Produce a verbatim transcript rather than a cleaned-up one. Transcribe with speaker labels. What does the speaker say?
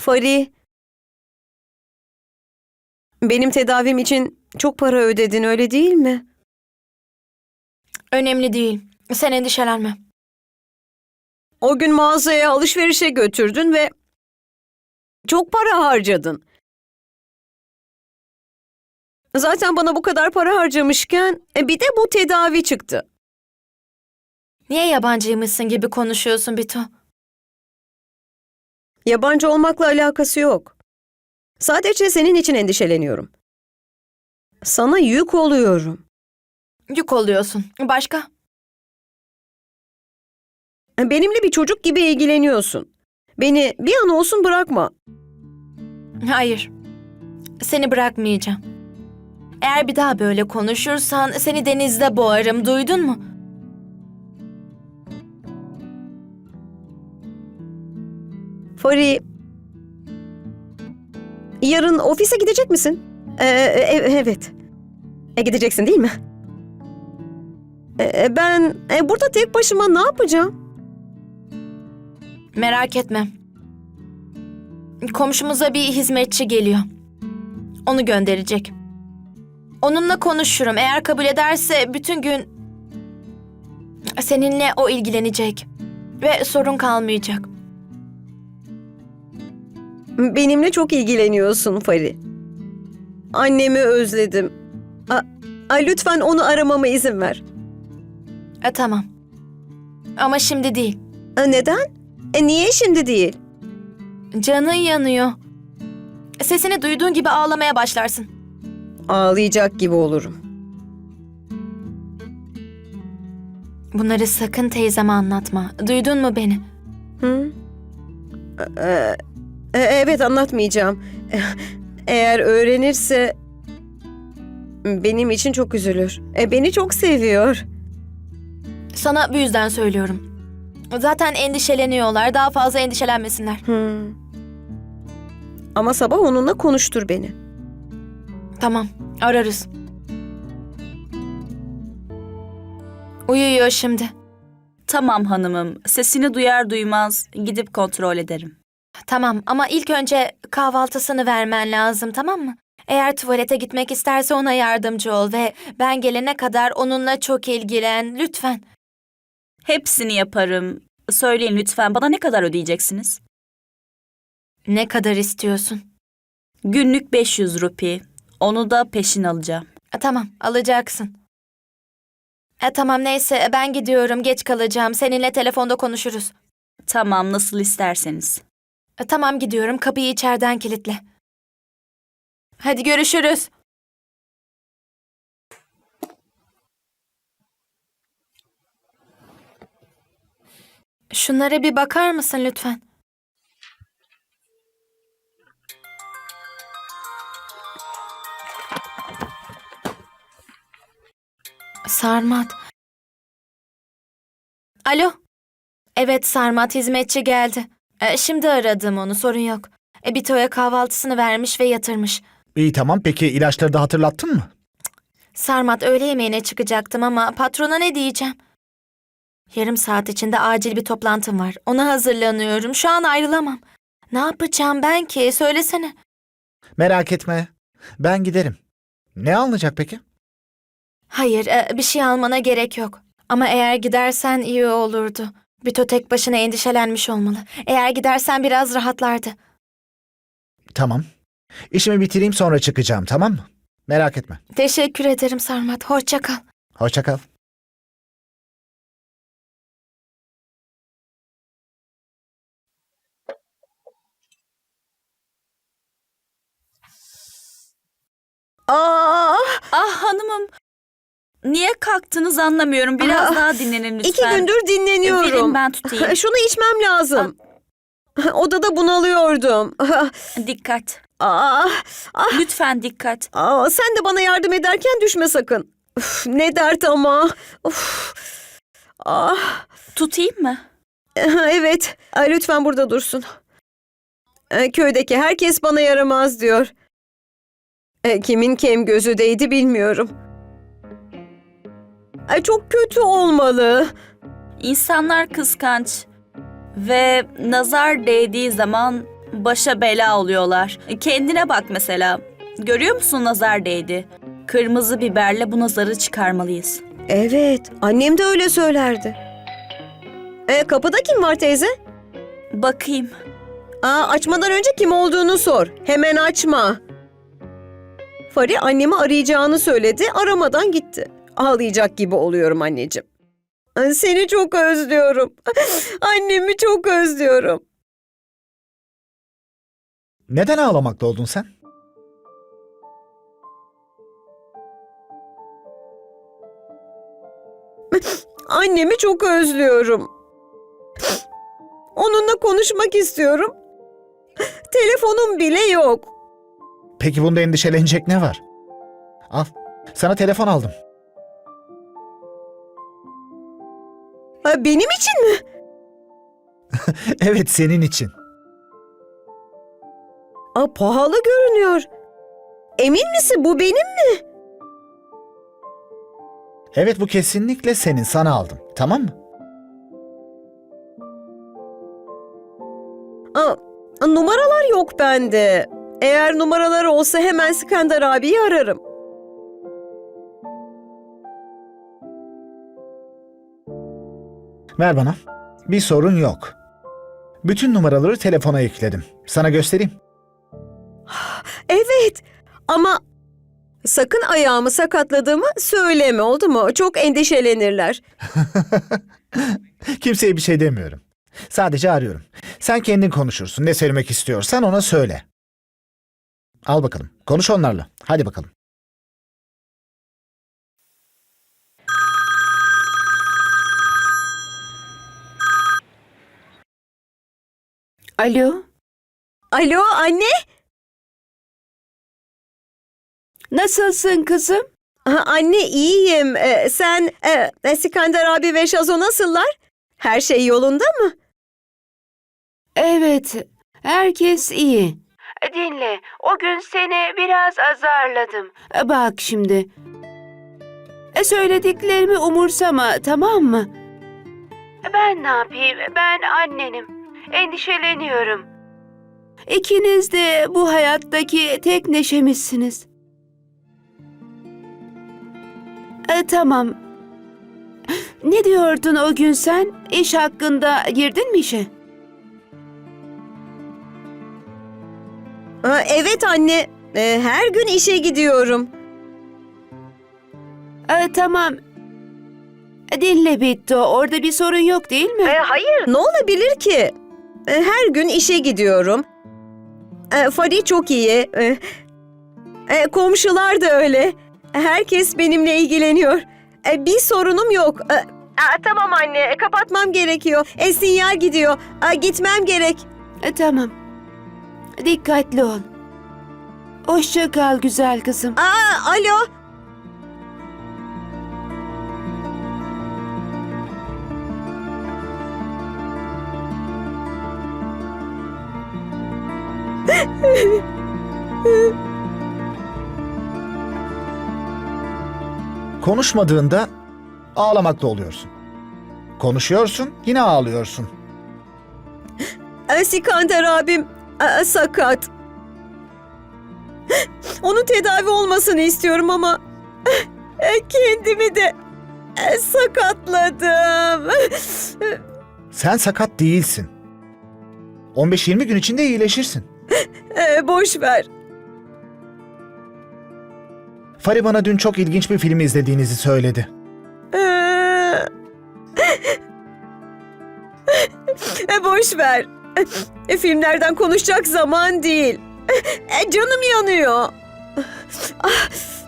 Speaker 1: Fari, benim tedavim için çok para ödedin, öyle değil mi?
Speaker 2: Önemli değil. Sen endişelenme.
Speaker 1: O gün mağazaya alışverişe götürdün ve çok para harcadın. Zaten bana bu kadar para harcamışken e, bir de bu tedavi çıktı.
Speaker 2: Niye yabancıymışsın gibi konuşuyorsun Bito?
Speaker 1: Yabancı olmakla alakası yok. Sadece senin için endişeleniyorum. Sana yük oluyorum.
Speaker 2: Yük oluyorsun. Başka?
Speaker 1: Benimle bir çocuk gibi ilgileniyorsun. Beni bir an olsun bırakma.
Speaker 2: Hayır. Seni bırakmayacağım. Eğer bir daha böyle konuşursan seni denizde boğarım. Duydun mu?
Speaker 1: Fari, yarın ofise gidecek misin? Ee, e- evet. E, gideceksin değil mi? E, ben e, burada tek başıma ne yapacağım?
Speaker 2: Merak etme. Komşumuza bir hizmetçi geliyor. Onu gönderecek. Onunla konuşurum. Eğer kabul ederse bütün gün seninle o ilgilenecek. Ve sorun kalmayacak.
Speaker 1: Benimle çok ilgileniyorsun Fari. Annemi özledim. A, a, lütfen onu aramama izin ver.
Speaker 2: E, tamam. Ama şimdi değil.
Speaker 1: E, neden? E, niye şimdi değil?
Speaker 2: Canın yanıyor. Sesini duyduğun gibi ağlamaya başlarsın.
Speaker 1: Ağlayacak gibi olurum.
Speaker 2: Bunları sakın teyzeme anlatma. Duydun mu beni?
Speaker 1: Hı? E, e, evet, anlatmayacağım. E, Eğer öğrenirse benim için çok üzülür. E, beni çok seviyor.
Speaker 2: Sana bu yüzden söylüyorum. Zaten endişeleniyorlar. Daha fazla endişelenmesinler.
Speaker 1: Hı. Ama sabah onunla konuştur beni.
Speaker 2: Tamam, ararız. Uyuyor şimdi.
Speaker 3: Tamam hanımım, sesini duyar duymaz gidip kontrol ederim.
Speaker 2: Tamam ama ilk önce kahvaltısını vermen lazım, tamam mı? Eğer tuvalete gitmek isterse ona yardımcı ol ve ben gelene kadar onunla çok ilgilen, lütfen.
Speaker 3: Hepsini yaparım. Söyleyin lütfen, bana ne kadar ödeyeceksiniz?
Speaker 2: Ne kadar istiyorsun?
Speaker 3: Günlük beş yüz rupi. Onu da peşin alacağım.
Speaker 2: E, tamam, alacaksın. E, tamam neyse ben gidiyorum, geç kalacağım. Seninle telefonda konuşuruz.
Speaker 3: Tamam, nasıl isterseniz.
Speaker 2: E, tamam gidiyorum, kapıyı içeriden kilitle. Hadi görüşürüz. Şunlara bir bakar mısın lütfen? Sarmat. Alo. Evet Sarmat, hizmetçi geldi. E, şimdi aradım onu, sorun yok. E, Bito'ya kahvaltısını vermiş ve yatırmış.
Speaker 4: İyi tamam, peki ilaçları da hatırlattın mı?
Speaker 2: Sarmat, öğle yemeğine çıkacaktım ama patrona ne diyeceğim? Yarım saat içinde acil bir toplantım var. Ona hazırlanıyorum. Şu an ayrılamam. Ne yapacağım ben ki? Söylesene.
Speaker 4: Merak etme, ben giderim. Ne alınacak peki?
Speaker 2: Hayır, e, bir şey almana gerek yok. Ama eğer gidersen iyi olurdu. Bito tek başına endişelenmiş olmalı. Eğer gidersen biraz rahatlardı.
Speaker 4: Tamam. İşimi bitireyim, sonra çıkacağım, tamam mı? Merak etme.
Speaker 2: Teşekkür ederim Sarmat. Hoşça kal.
Speaker 4: Hoşça kal.
Speaker 1: Aa,
Speaker 3: Ah hanımım, niye kalktınız anlamıyorum. Biraz
Speaker 1: Aa,
Speaker 3: daha dinlenin lütfen.
Speaker 1: iki gündür dinleniyorum.
Speaker 3: Verin ben tutayım.
Speaker 1: Şunu içmem lazım. Odada bunalıyordum.
Speaker 3: Dikkat.
Speaker 1: Aa, ah,
Speaker 3: Lütfen dikkat.
Speaker 1: aa, sen de bana yardım ederken düşme sakın. Üf, ne dert ama. Uf. Ah,
Speaker 3: Tutayım mı?
Speaker 1: evet, Ay, lütfen burada dursun. E, Köydeki herkes bana yaramaz diyor. E, Kimin kem gözü değdi bilmiyorum. Ay, çok kötü olmalı.
Speaker 3: İnsanlar kıskanç ve nazar değdiği zaman Başa bela oluyorlar. Kendine bak mesela. Görüyor musun nazar değdi. Kırmızı biberle bu nazarı çıkarmalıyız.
Speaker 1: Evet, annem de öyle söylerdi. E, kapıda kim var teyze?
Speaker 3: Bakayım.
Speaker 1: Aa, açmadan önce kim olduğunu sor. Hemen açma. Fari annemi arayacağını söyledi, aramadan gitti. Ağlayacak gibi oluyorum anneciğim. Ay, seni çok özlüyorum. Annemi çok özlüyorum.
Speaker 4: Neden ağlamakta oldun sen?
Speaker 1: Annemi çok özlüyorum. Onunla konuşmak istiyorum. Telefonum bile yok.
Speaker 4: Peki bunda endişelenecek ne var? Al, sana telefon aldım.
Speaker 1: Ha, benim için mi?
Speaker 4: Evet, senin için.
Speaker 1: Aa, pahalı görünüyor. Emin misin bu benim mi?
Speaker 4: Evet, bu kesinlikle senin, sana aldım. Tamam mı?
Speaker 1: Aa, numaralar yok bende. Eğer numaraları olsa hemen Skandar abiyi ararım.
Speaker 4: Ver bana. Bir sorun yok. Bütün numaraları telefona ekledim. Sana göstereyim.
Speaker 1: Evet ama sakın ayağımı sakatladığımı söyleme, oldu mu? Çok endişelenirler.
Speaker 4: Kimseye bir şey demiyorum. Sadece arıyorum. Sen kendin konuşursun. Ne söylemek istiyorsan ona söyle. Al bakalım. Konuş onlarla. Hadi bakalım.
Speaker 5: Alo,
Speaker 1: Alo anne?
Speaker 5: nasılsın kızım?
Speaker 1: Ha, anne iyiyim. Ee, sen e, Skandar abi ve Şazo nasıllar? Her şey yolunda mı?
Speaker 5: Evet, herkes iyi. Dinle, o gün seni biraz azarladım. Bak şimdi. E, Söylediklerimi umursama, tamam mı? Ben ne yapayım? Ben annenim. Endişeleniyorum. İkiniz de bu hayattaki tek neşemizsiniz. E, tamam. Ne diyordun o gün sen? İş hakkında girdin mi işe?
Speaker 1: Ha, evet anne. Ee, her gün işe gidiyorum.
Speaker 5: E, tamam. Dinle Bitto, orada bir sorun yok değil mi?
Speaker 1: Ee, hayır. Ne olabilir ki? Ee, her gün işe gidiyorum. Ee, Fari çok iyi. Ee, e, komşular da öyle. Herkes benimle ilgileniyor. Ee, bir sorunum yok. Ee, aa, tamam anne, kapatmam gerekiyor. E, sinyal gidiyor. Aa, gitmem gerek.
Speaker 5: E, tamam. Dikkatli ol. Hoşça kal güzel kızım.
Speaker 1: Aa, alo.
Speaker 4: Konuşmadığında ağlamakta oluyorsun. Konuşuyorsun, yine ağlıyorsun.
Speaker 1: Ee, Skandar abim e, sakat. Onun tedavi olmasını istiyorum ama e, kendimi de e, sakatladım.
Speaker 4: Sen sakat değilsin. on beş yirmi gün içinde iyileşirsin.
Speaker 1: E, boş ver.
Speaker 4: Fari bana dün çok ilginç bir film izlediğinizi söyledi.
Speaker 1: E, e, boş ver. E, filmlerden konuşacak zaman değil. E, canım yanıyor. Ah,